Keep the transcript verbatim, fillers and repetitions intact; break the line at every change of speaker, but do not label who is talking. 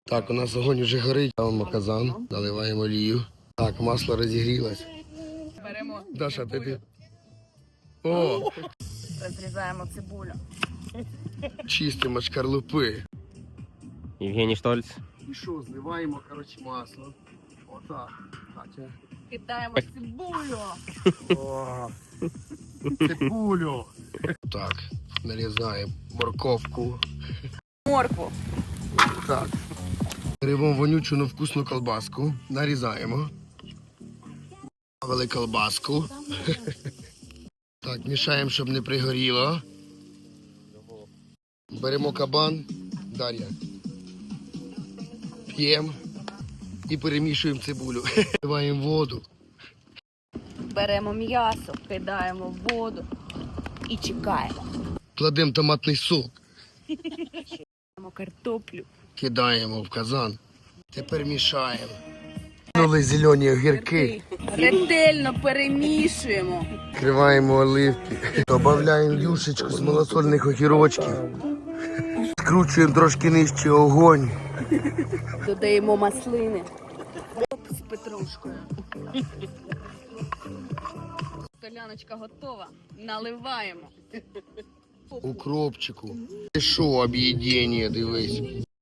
Так, у нас огонь вже горить, ставимо казан, наливаємо олію. Так, масло розігрілось.
Беремо
Даша,
цибулю.
тобі. О,
Розрізаємо цибулю.
чистимо шкарлупи.
Євгеній Штольц.
І що, зливаємо, коротше, масло. Отак. Катя.
Кидаємо цибулю.
О, цибулю. Так, нарізаємо морковку.
Моркву.
Так. Беремо вонючу, но вкусну колбаску. Нарізаємо. Добавили колбаску. Так, мішаємо, щоб не пригоріло. Беремо кабан. Дар'я. П'ємо. І перемішуємо цибулю. Вливаємо воду.
Беремо м'ясо, кидаємо в воду і чекаємо.
Кладемо томатний сок.
Беремо картоплю.
Кидаємо в казан. Тепер мішаємо. Кинули зелені огірки.
Ретельно перемішуємо.
Відкриваємо оливки. Додаємо юшечку з малосольних огірочків. Скручуємо трошки нижче огонь.
Додаємо маслини. Оп, з петрушкою. Соляночка готова. Наливаємо.
Укропчику. Ти що, об'єднання, дивись.